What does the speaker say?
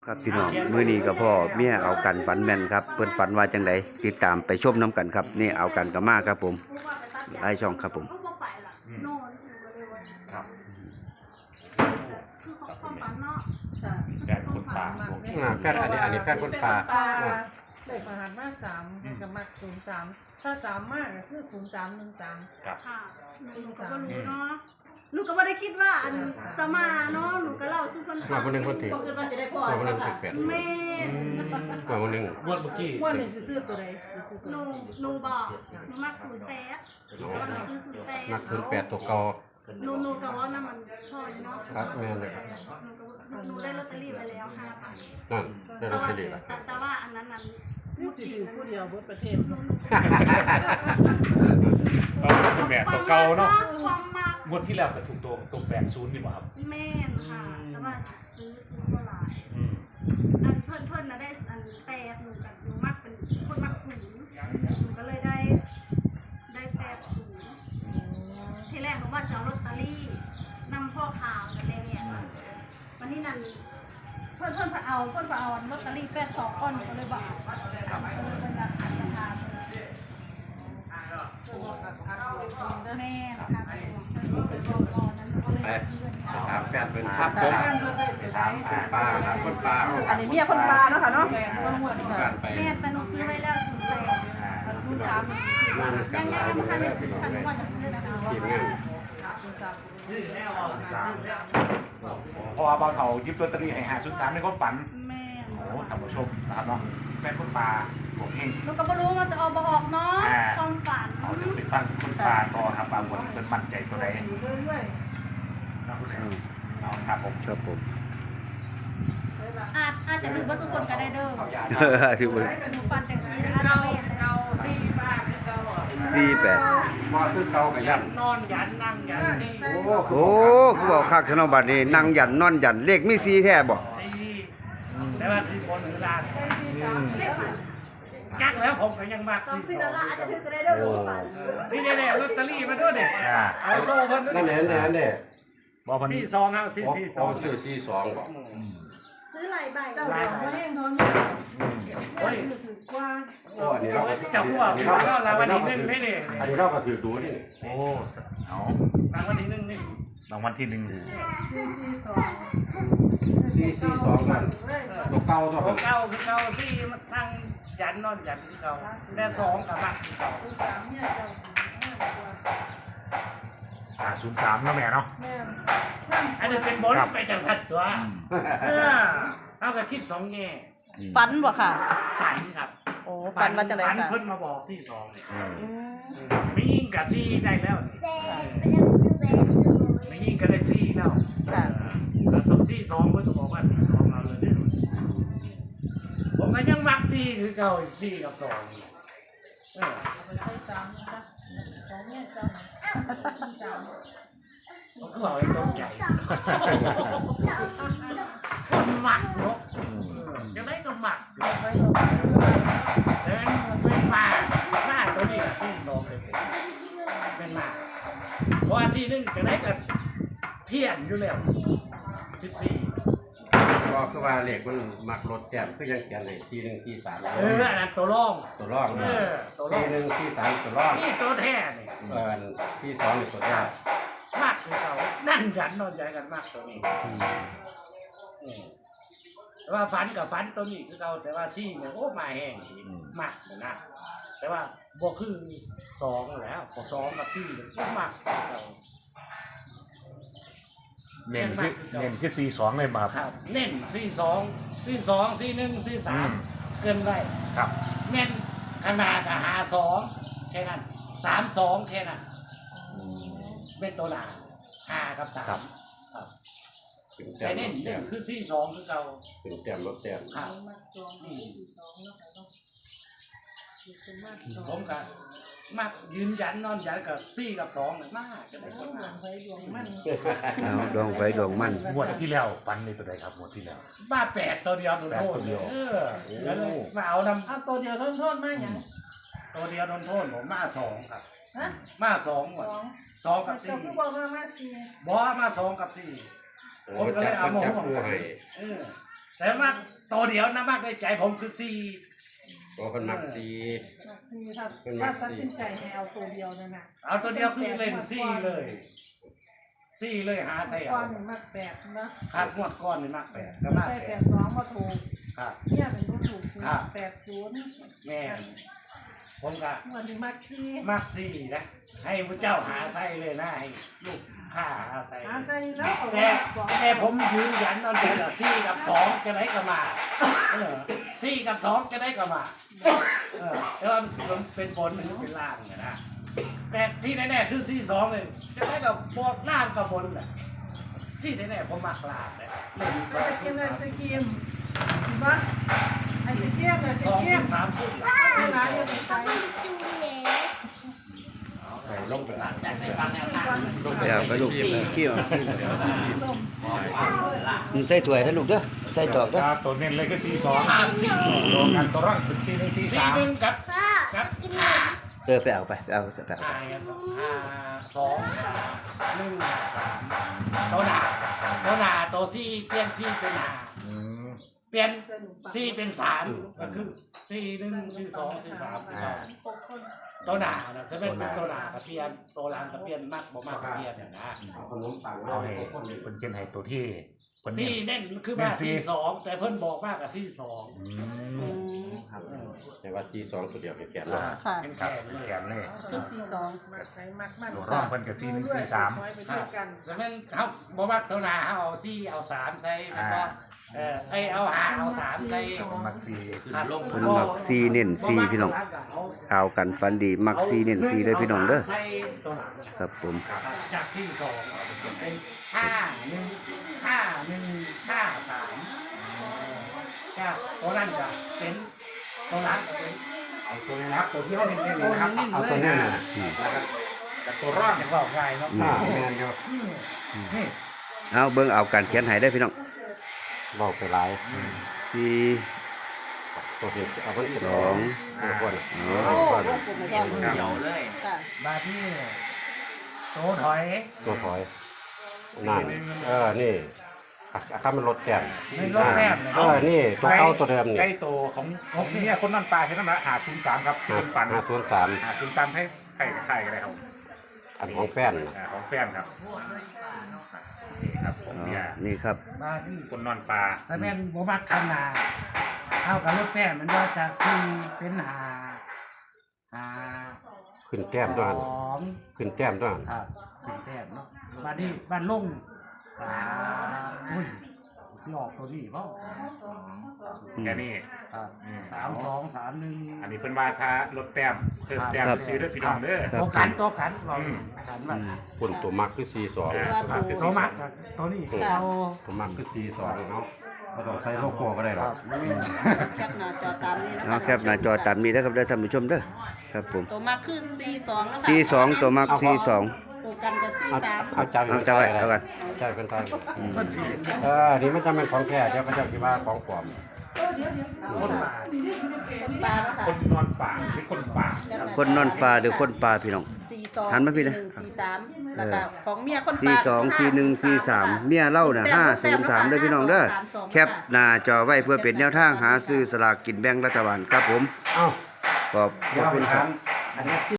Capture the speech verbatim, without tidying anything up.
ครับพี่น้องมื้อนี้กับพ่อเมียเอากันฝันแม่นครับเพิ่นฝันว่าจังไดติดตามไปชมน้ำกันครับนี่เอากันกับมาครับผมไล่ช่องครับผมครับคือของความฝันเนาะแฟนคนป่าผมอ่าแฟนอันนี้อันนี้แฟนคนป่าเลขประหารมากสามกับมากศูนย์สามถ้าสามมากก็คือศูนย์สามหนึ่งสามครับค่ะหนูก็บ่รู้เนาะหนูก็ไม่ได้คิดว่าอันจะมาเนาะหนูก็เล่าสู่คนมาคนหนึ่งคนถือคือว่าจะได้พอมาคนหนึ่งสิบแปดแม่มาคนหนึ่งงวดเมื่อกี้ว่านี่ซื้อตัวใดหนูหนูบอกหนูมักศูนย์แปดหนูซื้อศูนย์แปดนักศูนย์แปดตัวเก่าหนูหนูก็ว่านั่นมันพออยู่เนาะครับแม่นเลยครับหนูก็หนูได้ลอตเตอรี่ไปแล้วห้าพันนั่นได้ลอตเตอรี่แล้วแต่แต่ว่าอันนั้นนั้นซื้อถือผู้เดียวบนประเทศก็เป็นแบบตัวเก่าเนาะความมักงวดที่แล้วก็ถูกตัวตัวแปดศูนย์นี่บ่ครับแม่นค่ะแต่ว่าซื้อซื้อก็หลายอืมอันเพื่อนเพื่อนนะได้อันแปดหนูกับหนูมักเป็นคนมักศูนย์หนูก็เลยได้ได้แปดศูนย์ทีแรกหนูว่าจะเอาลอตเตอรี่นำพ่อข่าวกันเลยเนี่ยวันนี้นั่นเพื่อนเพื่อนพาเอาเพื่อนพาเอาลอตเตอรี่แปดสองก้อนหนูก็เลยบอกเอาเออเป็นราคาราคาแม่นะคะเป็นตัวก่อนนั้นก็เลยไปซื้อถามแฟนเป็นครับผมถามคนป่าครับคนป่าอันนี้เมียคนปลาเนาะค่ะเนาะคนหัวนี่กาค่ะรไปแม่แต่หนูซื้อไว้แล้วถึงแปดศูนย์สามนั่นกัยันงหยัลาง ยยังมืไม่อทันแล้ได้วพี่ซื้น้อองทันเลยว่าจะซื้อนะทีมงานศูนย์สามเพราะว่าบ่าวเฒ่ายิบลอตเตอรี่ให้หาศูนย์สามในความฝันแม่โอ้ท่านผู้ชมนะครับเนาะแฟนคนป่าผมเองหนูก็ไม่รู้ว่าจะเอาบออกเนาะความฝันเอาจะไปฟังคนป่าต่อครับบางคนเป็นมั่นใจตัวใดเรื่อยครับคุณเอาครับผมครับผมอาจอาจจะถึงประสบคนก็ได้เด้อที่เบิ่งหนูฝันแต่ซื้ออะไรเองเราสี่บ้านเก่าสี่แปดมาคือเก่ากับยันนอนยันนั่งยันสี่โอ้โอ้คือบอกคักชนบัดนี้นั่งหยันนอนหยันเลขมีสี่แท้บ่แต่ว่าสี่คนหรือล้านสี่สามจักแล้วผมก็ยังมากต้องสี่พิสจาองรณาอาจจะถึงก็ได้เด้อหนูฝันนี่แน่ๆลอตเตอรี่มาด้วยเนี่ยอ่าเอาโซ่เพิ่นนั่นแหละนั่นแหละนั่นแหละบ่พันสี่สองครับสี่โอ้สี่สโอ้องชื่อสี่สองบอกซื้อหลายใบเจ้าหลวงมาแห้งทนโอ้ยถือกว่าโอ้อันนี้เราก็จับพวกก็รางวัลที่หนึ่งไม่เนี่ยอันนี้เราก็ถือดูนี่โอ้เอารางวัลที่หนึ่งนี่รางวัลที่หนึ่งสี่สี่สองสี่สี่สองกันตัวเก่าตัวของเก่าคือเก่าสี่นั่งยันนอนยันคือเก่าแต่สองกับมักคือเก่าสามเนี่ยเจ้าสี่ห้ากว่าอ่าศูนย์สามเนาะแม่เนาะแม่อันนี้เป็นบนไปจากสัตว์ตัวเออเอาก็คิดสองแง่ฝันบ่ค่ะฝันครับโอ้ฝันมาจากไหนฝันค่ะเพิ่นมาบอกสี่สองเนี่ยอืมไม่ยิงกับซี่ได้แล้วนี่แดงเป็นยังซื้อแดงไม่ยิงก็ได้ซี่แล้วค่ะแล้วสองซี่สองเพิ่นก็บอกว่าของเราเลยเนี่ยผมก็ยังมักซี่คือเก่าซี่กับสองนี่เออเอาไปใส่สามนะคะของเนี่ยเจ้าสี่สามผมก็บอกให้ตกใจคนหมักเนาะเออจะได้ก็หมักไว้ตรงแต่เป็นมาหน้าตัวนี้อะซี่สองเลยเป็นมาเพราะว่าซี่หนึงจะได้กับเพี้ยนอยู่แล้วสิบสี่ก็คือว่าเลขมันมักลดแต้มคือยังเขียนให้สี่หนึ่งสี่สามเอออันนั้นตัวร่องตัวรองเออตัวร่อสี่งหนึ่งสี่สามตัวรองนี่ตัวแท้นี่เออสี่สองนี่ตัวแรกมากคือเขานั่งยันนอนใจกันมากตัวนี้อืมแต่ว่าฝันกับฝันตัวนี้คือเขาแต่ว่าซี่เนี่ยโอ้มาแห้งดีมากเลยนะแต่ว่าบวกคือสองแล้วพอสองกับซี่เนี่ยก็มากคือเขาเน้นคือเน้นคือสี่สองเลยมาคครัรับบ เน้นซี่สองซี่สองซี่หนึ่งซี่สามเกินไปครับเน้นขนาดกับหาสองแค่นั้นสามสองแค่นั้นเป็นตัวหนาห้ากับสามครับถึงแต้แต่มเน้นลดหแต้นึ่งมคือซี่สองคือเราถึงแต้มลดแต้มครับมาสองสี่สองเนาะค่ะเนาะสี่เป็นมากสองผมก็มักยืนยันนอนยันกับซี่กับสองเนี่ยมากจะได้คนดวมางไฟดวงมันเอาดวงไฟดวงมันงวดที่แล้วฟันในตัวใดครับงวดที่แล้วบ้าแปดตัวเดียวโดนโทษแปดตัวเดียวเออแล้วเลยมาเอานเอาตัวเดียวทนโทษมากอย่างำตัวเดียวโดนโทษผมมาสองครับฮะมาสองหมสดองสองกับเจ้าสี่ก็บอกว่ามาสี่บอมาสองกับสี่โอ้จับมันจับคู่ให้เออแต่แต่มากตัวเดียวนะมากในใจผมคือสี่ตัวคนมักสี่มักสี่ถ้าถ้าตัดสินใจให้เอาตัวเดียวนั่นน่ะเอาตัวเดียวคือเล่นสี่เลยสี่เลยหาใส่ก้เอาอนนี่มักแปดนะขาดงวดก้อนนี่มากแปดก็มากใส่แปแปดดสองมาถูกครับเนี่ยเป็นผู้ถูกศูนครับย์แปดศูนย์แม่นผมก็วันนี้มักสี่มากสี่นะให้พระเจ้าหาใส่เลยนะให้ลูกข้าหาใส่หาใส่แล้วเอาแต่สองแต่ผมยืนยันเอาแต่ละสี่กับสองจะได้ก็มาเออสี่กับสองจะได้ก็มาเออแต่ว่ามันเป็นบนหรือเป็นล่างเนี่ยนะแต่ที่แน่ๆคือสี่สองเลยจะได้กับบนล่างกับบนแหละที่แน่ๆผมมักล่างเลยเล่นสใส่องกินไอศครีมเห็นปะไอศครีมไอศสองครีสิมบสามสิบที่ร้านยังเป็นไส้ใส่ลงไปอ่านเดี๋ยวไปลูกขี้เอาขี้ส้มอืมใส่ถ้วยนะลูกเด้อใส่ดอกเด้อครับตัวเน้นเลยคือสี่สองห้าสี่สองตัวกันตัวร่างเป็นสี่หนึ่งสี่สี่สามหนึ่งกับกับห้าเออไปเอาไปไปเอาไปเอาห้าห้าสองหนึ่งสามตัวหนาตัวหนาตัวสี่เปลี่ยนสี่เป็นหนาเปลี่ยนสี่เป็นสามก็คือสี่หนึ่งสี่สองสี่สามสี่สองตัวหนานะจะเป็นตัวหนากับเปลี่ยนตัวหลังกับเปลี่ยนมากบ่มากกับเปลี่ยนเนี่ยนะเอาขนมปังเอาเอาให้ให้คนนี้เป็นเขียนให้ตัวที่คนที่นี้เน่นคือมาสี่สองแต่เพิ่นบอกมากกับสี่สองแต่ว่าสี่สองตัวเดียวเป็นแก่นค่ะเป็นครับแขนเป็นเลยแขนเลยคือสี่สองมักใส่มักมันตัวร่องเพิ่นกับสี่หนึ่งสี่สามไปด้วยกันจะเป็นเขาบอกว่าตัวหนาเขาเอาสี่เอาสามใส่แล้วก็เออไอเอาหาเอาสามใส่คนมักสี่ครับเพิ่นมักซีเน้นซีพี่น้องเอากันฟันดีมักซีเน้นซีเด้อพี่น้องเด้อใส่ตัวหนาครับผมจากที่สองเป็นห้าหนึ่งห้าหนึ่งห้าสามจากตัวนั้นก็เป็นตัวนั้นก็เป็นเอาตัวนี้นะครับตัวที่เขาเน้นๆเลยนะครับเอาตัวนี้น่ะแต่ตัวร่องอย่างว่าง่ายเนาะอ่าแม่นอยู่นี่เอาเบิ่งเอาการเขียนให้ได้อพี่น้องบอกไปหลายสี่ตัวที่เอาคนที่สสออง งเอาคนเอาโอ้ก่อนวงกลมแก้มเดียวเลยค่ะมาที่โตถอยตัวถอยนั่นเออนี่อ่ะข้ามันลดแต้มในรถแรกเออนี่ตัวเก้าตัวเดิมนี่ใช่ตัวของของเนี่ยคนนั่นปลาใช่ไหมหาศูนย์สามครับห้าเป็นฝันห้าศูนย์สามหาศูนย์สามให้ไข่ไข่กันเลยครับอันของแฟนน่ะอ่าของแฟนครับนี่ครับผมอ๋อเนี่ยนี่ครับมาที่คนนอนปลาสแมนโบมักคันนาเท่ากับรถแรกมันว่าจะคือเป็นหาหาขึ้นแต้มด้วยสหั่นองขึ้นแต้มด้วยหั่นครับสี่แต้มเนาะมาที่บ้านลุงสามอุ้ยที่ออกตัวนี้เปล่าแค่นี้ครับอืมสามสองสามหนึ่งอันนี้เป็นว่าถ้าลดแต้มเพิ่มแต้มครับไปซื้อด้วยพี่น้องเด้อตัวกันตัวกันเราอืมกันมาคนตัวมักคือสี่สองอ่าตัวคือตัสี่วสมัอก งกับตัวนี้ค่ะเราตัวมักคือสี่สองเนาะไม่ต้องใช้โลโก้ก็ได้หรอกแคปหน้าจอตามนี้นะเอาคะแคปหน้าจอตามนี้นะครับเด้อท่านผู้ชมเด้อครับผมตัวมาคือสี่สองแล้วค่ะสี่สองตัวมักสี่สองตัวกันก็สี่เอาสามเอาจับเอาจับไว้เอากันใช่เป็นไทยเออนี่มันจะเป็นของแท้เดี๋ยวเขาจะคิดว่าของปลอมคนป่าคนปลาแล้วค่ะคนนอนป่าหรือคนป่าคนนอนปลาหรือคนปลาพี่น้องสี่สองหันมาพี่สี่หนะนึ่งสี่สามแล้วก็ของเมียคนปลาสี่สองสี่หนึ่งสี่สามเมียเล่าน่ะห้าศูนย์สามเด้อพี่น้องเด้อแคปหน้าจอไว้เพื่อเป็นแนวทางหาซื้อสลากกินแบ่งรัฐบาลครับผมเอ้าขอบขอบคุณครับอันนี้